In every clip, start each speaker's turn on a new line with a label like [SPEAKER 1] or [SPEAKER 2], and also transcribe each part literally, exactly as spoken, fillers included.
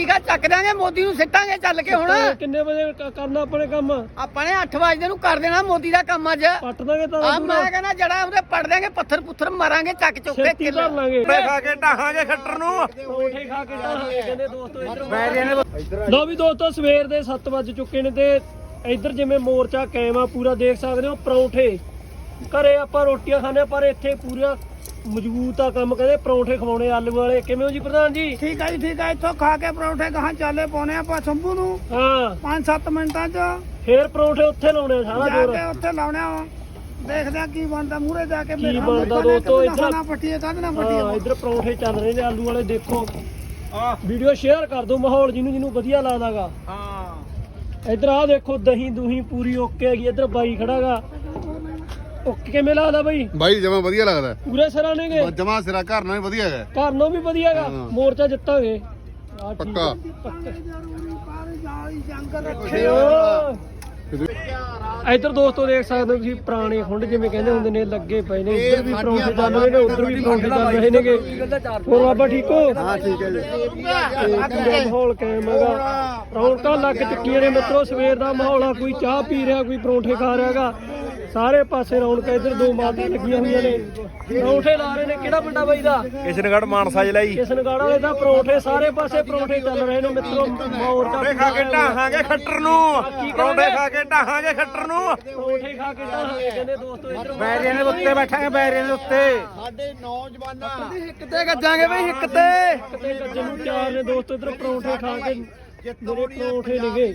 [SPEAKER 1] ਠੀਕ ਆ ਚੱਕ ਦਾਂਗੇ ਮੋਦੀ ਨੂੰ ਸਿੱਟਾਂਗੇ ਚੱਲ ਕੇ ਹੁਣ।
[SPEAKER 2] ਕਿੰਨੇ ਵਜੇ ਕਰਨਾ ਆਪਣੇ ਕੰਮ?
[SPEAKER 1] ਆਪਾਂ ਨੇ ਅੱਠ ਵਜੇ ਨੂੰ ਕਰ ਦੇਣਾ ਮੋਦੀ ਦਾ ਕੰਮ ਅੱਜ।
[SPEAKER 2] ਪੱਟ ਦਾਂਗੇ ਤਾਂ
[SPEAKER 1] ਆ ਮੈਂ ਕਹਿੰਦਾ ਜੜਾ ਉਹਦੇ ਪੜ ਦੇਂਗੇ ਪੱਥਰ ਪੁੱਥਰ ਮਾਰਾਂਗੇ ਚੱਕ ਚੁੱਕ ਕੇ
[SPEAKER 2] ਛੇਤੀ ਧਰ ਲਾਂਗੇ।
[SPEAKER 3] ਖਾ ਕੇ ਢਾਹਾਂਗੇ ਖੱਟਰ ਨੂੰ।
[SPEAKER 2] ਪਰੌਂਠੇ ਖਾ ਕੇ ਢਾਹਾਂਗੇ ਕਹਿੰਦੇ ਦੋਸਤੋ ਇੱਧਰ। ਲਓ ਵੀ ਦੋਸਤੋ ਸਵੇਰ ਦੇ ਸੱਤ ਵੱਜ ਚੁੱਕੇ ਨੇ ਤੇ ਇੱਧਰ ਜਿਵੇਂ ਮੋਰਚਾ ਕਾਇਮ ਆ ਪੂਰਾ ਦੇਖ ਸਕਦੇ ਹੋ। ਪਰੌਂਠੇ ਘਰੇ ਆਪਾਂ ਰੋਟੀਆਂ ਖਾਂਦੇ ਪਰ ਇੱਥੇ ਪੂਰਾ ਮਜ਼ਬੂਤ ਆ ਕੰਮ। ਕਹਿੰਦੇ ਪਰੌਂਠੇ ਖਵਾਉਣੇ ਆਲੂ ਵਾਲੇ। ਕਿਵੇਂ ਹੋ ਜੀ ਪ੍ਰਧਾਨ ਜੀ?
[SPEAKER 4] ਠੀਕ ਹੈ ਜੀ ਠੀਕ ਹੈ। ਇੱਥੋਂ ਖਾ ਕੇ ਪਰੌਂਠੇ ਗਾਹਾਂ ਚਾਲੇ ਪਾਉਣੇ ਆਪਾਂ ਸ਼ੰਭੂ ਨੂੰ
[SPEAKER 2] ਹਾਂ
[SPEAKER 4] ਪੰਜ ਸੱਤ ਮਿੰਟਾਂ 'ਚ
[SPEAKER 2] ਫੇਰ ਪਰੌਂਠੇ ਉੱਥੇ ਲਾਉਣੇ ਆ ਸਾਰਾ
[SPEAKER 4] ਜਾ
[SPEAKER 2] ਜੋਰ।
[SPEAKER 4] ਕੇ ਉੱਥੇ ਲਾਉਣੇ ਆ। ਦੇਖਦੇ ਆ ਕੀ ਬਣਦਾ ਮੂਹਰੇ ਜਾ ਕੇ।
[SPEAKER 2] ਕੀ ਬਣਦਾ ਦੋਸਤੋ ਇੱਧਰ।
[SPEAKER 4] ਨਾ ਪੱਟੀਏ ਕੱਢ ਨਾ
[SPEAKER 2] ਹਾਂ
[SPEAKER 4] ਪੱਟੀਏ।
[SPEAKER 2] ਇੱਧਰ ਪਰੌਂਠੇ ਚੱਲ ਰਹੇ ਨੇ ਆਲੂ ਵਾਲੇ। ਦੇਖੋ ਵੀਡੀਓ ਸ਼ੇਅਰ ਕਰ ਦਿਓ ਮਾਹੌਲ ਜਿਹਨੂੰ ਜਿਹਨੂੰ ਵਧੀਆ ਲੱਗਦਾਗਾ।
[SPEAKER 3] ਹਾਂ
[SPEAKER 2] ਇੱਧਰ ਆ ਦੇਖੋ ਦਹੀਂ ਦੂਹੀਂ ਪੂਰੀ ਓਕੇ ਹੈਗੀ। ਇੱਧਰ ਬਾਈ ਖੜਾਗਾ। ਓਕੇ ਕਿਵੇਂ ਲੱਗਦਾ ਬਾਈ?
[SPEAKER 5] ਬਾਈ ਜਮਾ ਵਧੀਆ ਲੱਗਦਾ।
[SPEAKER 2] ਪੂਰੇ ਸਿਰਾਂ ਨੇਗੇ
[SPEAKER 5] ਜਮਾ ਸਿਰਾ ਘਰ ਨਾਲ ਵੀ ਵਧੀਆ ਹੈ।
[SPEAKER 2] ਘਰ ਨੂੰ ਵੀ ਵਧੀਆਗਾ।
[SPEAKER 5] ਹਾਂ।
[SPEAKER 2] ਮੋਰਚਾ ਜਿੱਤਾਂਗੇ ਆਹ ਠੀਕ
[SPEAKER 5] ਪੱਕਾ।
[SPEAKER 2] ਆ, ਪੱਕਾ।
[SPEAKER 4] ਜੰਗ
[SPEAKER 2] ਰੱਖੇ ਓ। ਇੱਧਰ ਦੋਸਤੋ ਦੇਖ ਸਕਦੇ ਹੋ ਤੁਸੀਂ ਪੁਰਾਣੇ ਖੁੰਡ ਜਿਵੇਂ ਕਹਿੰਦੇ ਹੁੰਦੇ ਨੇ ਲੱਗੇ ਪਏ ਨੇ। ਇੱਧਰ ਵੀ ਪਰੌਂਠੇ ਚੱਲ ਰਹੇ ਨੇ ਉੱਧਰ ਵੀ ਪਰੌਂਠੇ ਚੱਲ ਰਹੇ ਨੇਗੇ। ਹੋਰ ਬਾਬਾ ਠੀਕ ਹੋ?
[SPEAKER 5] ਹਾਂ ਠੀਕ ਹੈ ਜੀ।
[SPEAKER 2] ਪੂਰਾ ਮਾਹੌਲ ਕਾਇਮ ਹੈਗਾ। ਰੌਣਕਾਂ ਲੱਗ ਚੁੱਕੀਆਂ ਨੇ ਮਿੱਤਰੋ। ਸਵੇਰ ਦਾ ਮਾਹੌਲ ਆ। ਕੋਈ ਚਾਹ ਪੀ ਰਿਹਾ ਕੋਈ ਪਰੌਂਠੇ ਖਾ ਰਿਹਾਗਾ। ਸਾਰੇ ਪਾਸੇ ਰੌਣਕਾਂ। ਇੱਧਰ ਦੋ ਮਾਤਾ ਲੱਗੀਆਂ ਹੋਈਆਂ ਨੇ ਪਰੌਂਠੇ ਲਾ ਰਹੇ ਨੇ। ਕਿਹੜਾ ਪਿੰਡਾ ਬਾਈ ਦਾ?
[SPEAKER 3] ਕਿਸ਼ਨਗੜ੍ਹ ਮਾਨਸਾ ਜ਼ਿਲ੍ਹਾ ਜੀ।
[SPEAKER 2] ਕਿਸ਼ਨਗੜ੍ਹ ਵਾਲੇ ਦਾ ਪਰੌਂਠੇ ਸਾਰੇ ਪਾਸੇ ਪਰੌਂਠੇ ਚੱਲ ਰਹੇ ਨੇ ਮਿੱਤਰੋ।
[SPEAKER 3] ਪਰੌਂਠੇ ਖਾ ਕੇ ਢਾਹਾਂਗੇ ਖੱਟਰ ਨੂੰ। ਪਰੌਂਠੇ ਖਾ ਕੇ ਢਾਹਾਂਗੇ ਖੱਟਰ ਨੂੰ।
[SPEAKER 2] ਪਰੌਂਠੇ ਖਾ ਕੇ ਢਾਹਾਂਗੇ ਕਹਿੰਦੇ ਦੋਸਤੋ ਇੱਧਰ।
[SPEAKER 3] ਬੈਰੀਆਂ ਦੇ ਉੱਤੇ ਬੈਠਾਂਗੇ ਬੈਰੀਆਂ ਦੇ ਉੱਤੇ।
[SPEAKER 4] ਸਾਡੇ ਨੌਜਵਾਨਾਂ
[SPEAKER 3] ਹਿੱਕ ਤੇ ਗੱਜਾਂਗੇ ਬਈ ਹਿੱਕ ਤੇ।
[SPEAKER 2] ਕਿਤੇ ਗੱਜੇ ਨੂੰ ਚਾਰ ਨੇ ਦੋਸਤੋ। ਇੱਧਰ ਪਰੌਂਠੇ ਖਾ ਕੇ ਮੇਰੇ ਪਰੌਂਠੇ ਨੇਗੇ।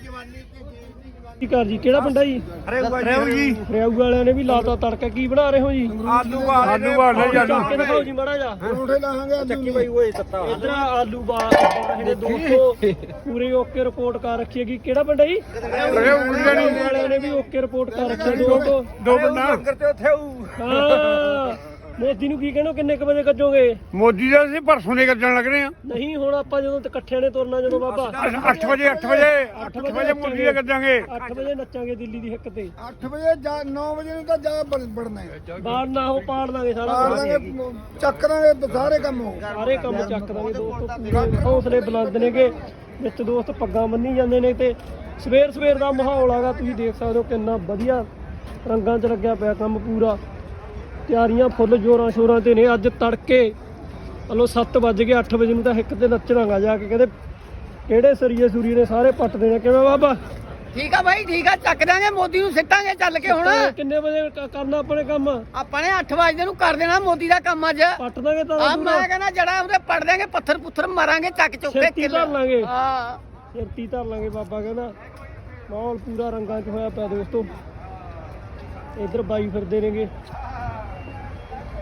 [SPEAKER 2] ਕੀ ਕਰ ਜੀ? ਕਿਹੜਾ ਪਿੰਡਾ ਜੀ?
[SPEAKER 3] ਰੇਉ ਜੀ।
[SPEAKER 2] ਰਿਆਊ ਵਾਲਿਆਂ ਨੇ ਵੀ ਲਾਤਾ ਤੜਕਾ। ਕੀ ਬਣਾ ਰਹੇ ਹੋ ਜੀ?
[SPEAKER 3] ਆਲੂ ਬਾਲ ਆਲੂ ਬਾਲ
[SPEAKER 2] ਚੱਕ ਕੇ ਦਿਖਾਓ ਜੀ ਮਾੜਾ ਜਾ।
[SPEAKER 4] ਪਰੌਂਠੇ ਲਾਹਾਂਗੇ
[SPEAKER 3] ਚੱਕੀ ਬਾਈ ਓਏ ਸੱਤਾ।
[SPEAKER 2] ਇਧਰ ਆਲੂ ਬਾਲ ਰਹੇ ਨੇ ਦੋਸਤੋ। ਪੂਰੀ ਓਕੇ ਰਿਪੋਰਟ ਕਰ ਰੱਖੀ ਹੈਗੀ। ਕਿਹੜਾ ਪਿੰਡ ਹੈ ਜੀ?
[SPEAKER 3] ਰੇਉ
[SPEAKER 2] ਵਾਲਿਆਂ ਨੇ ਵੀ ਓਕੇ ਰਿਪੋਰਟ ਕਰ ਰੱਖੀ ਹੈ ਦੋਸਤੋ।
[SPEAKER 3] ਦੋ ਬੰਦਾ ਲੰਗਰ ਤੇ ਉੱਥੇ ਆਊ।
[SPEAKER 2] ਹਾਂ ਮੋਦੀ ਨੂੰ ਕੀ ਕਹਿਣੋ ਕਿੰਨੇ ਕ ਵਜੇ ਗੱਜੋਗੇ?
[SPEAKER 3] ਮੋਦੀ ਦਾ ਅਸੀਂ ਪਰਸੋਂ ਦੇ ਗੱਜਣ ਲੱਗ ਰਹੇ ਆ।
[SPEAKER 2] ਨਹੀਂ ਹੁਣ ਆਪਾਂ ਜਦੋਂ ਇਕੱਠਿਆਂ ਨੇ ਤੁਰਨਾ ਜਦੋਂ ਬਾਬਾ
[SPEAKER 3] ਅੱਠ ਵਜੇ ਅੱਠ ਵਜੇ ਅੱਠ ਵਜੇ ਮੋਦੀ ਦੇ ਗੱਜਾਂਗੇ।
[SPEAKER 2] ਅੱਠ ਵਜੇ ਨੱਚਾਂਗੇ ਦਿੱਲੀ ਦੀ ਹਿੱਕ ਤੇ।
[SPEAKER 4] ਅੱਠ ਵਜੇ ਜਾ ਨੌ ਵਜੇ ਨੂੰ ਤਾਂ ਜਾ ਬੜਨਾ ਹੈ।
[SPEAKER 2] ਬਾਹਰ ਨਾ ਉਹ ਪਾੜ ਲਾਂਗੇ ਸਾਰਾ
[SPEAKER 4] ਪਾੜ
[SPEAKER 2] ਕੁਛ।
[SPEAKER 4] ਦਾਂਗੇ ਚੱਕ ਦਾਂਗੇ ਸਾਰੇ ਕੰਮ ਹੋ।
[SPEAKER 2] ਸਾਰੇ ਕੰਮ ਚੱਕ ਦਾਂਗੇ ਦੋਸਤੋ। ਪੂਰੇ ਹੌਸਲੇ ਬੁਲੰਦ ਨੇਗੇ। ਵਿੱਚ ਦੋਸਤ ਪੱਗਾਂ ਬੰਨੀ ਜਾਂਦੇ ਨੇ ਤੇ ਸਵੇਰ ਸਵੇਰ ਦਾ ਮਾਹੌਲ ਆਗਾ। ਤੁਸੀਂ ਦੇਖ ਸਕਦੇ ਹੋ ਕਿੰਨਾ ਵਧੀਆ ਰੰਗਾਂ 'ਚ ਲੱਗਿਆ ਪਿਆ ਕੰਮ ਪੂਰਾ। ਤਿਆਰੀਆਂ ਫੁੱਲ ਜੋਰਾਂ ਸ਼ੋਰਾਂ ਤੇ ਨੇ। ਅੱਜ ਤੜਕੇ ਹਲੋ ਸੱਤ ਵੱਜ ਗਏ। ਅੱਠ ਵਜੇ ਨੂੰ ਤਾਂ ਹਿੱਕ ਤੇ ਨੱਚਣਾਗਾ ਜਾ ਕੇ। ਕਹਿੰਦੇ ਕਿਹੜੇ ਸਰੀਏ ਸੂਰੀ ਨੇ ਸਾਰੇ ਪੱਟ ਦੇਣੇ। ਕਿਵੇਂ ਬਾਬਾ?
[SPEAKER 1] ਠੀਕ ਆ ਬਾਈ ਠੀਕ ਆ ਚੱਕ ਦਾਂਗੇ ਮੋਦੀ ਨੂੰ ਸਿੱਟਾਂਗੇ ਚੱਲ ਕੇ ਹੁਣ।
[SPEAKER 2] ਕਿੰਨੇ ਵਜੇ ਕ- ਕਰਨਾ ਆਪਣੇ ਕੰਮ?
[SPEAKER 1] ਆਪਾਂ ਨੇ ਅੱਠ ਵਜੇ ਨੂੰ ਕਰ ਦੇਣਾ ਮੋਦੀ ਦਾ ਕੰਮ ਅੱਜ।
[SPEAKER 2] ਪੱਟ ਦਾਂਗੇ ਤਾਂ
[SPEAKER 1] ਆ ਮੈਂ ਕਹਿੰਦਾ ਜੜਾ ਉਹਦੇ ਪੜ ਦੇਂਗੇ ਪੱਥਰ ਪੁੱਥਰ ਮਾਰਾਂਗੇ ਚੱਕ ਚੁੱਕ ਕੇ
[SPEAKER 2] ਛੇਤੀ ਧਰ ਲਾਂਗੇ।
[SPEAKER 1] ਹਾਂ
[SPEAKER 2] ਛੇਤੀ ਧਰ ਲਾਂਗੇ ਬਾਬਾ ਕਹਿੰਦਾ। ਮਾਹੌਲ ਪੂਰਾ ਰੰਗਾਂ 'ਚ ਹੋਇਆ ਪਿਆ ਦੋਸਤੋ। ਇੱਧਰ ਬਾਈ ਫਿਰਦੇ ਨੇਗੇ।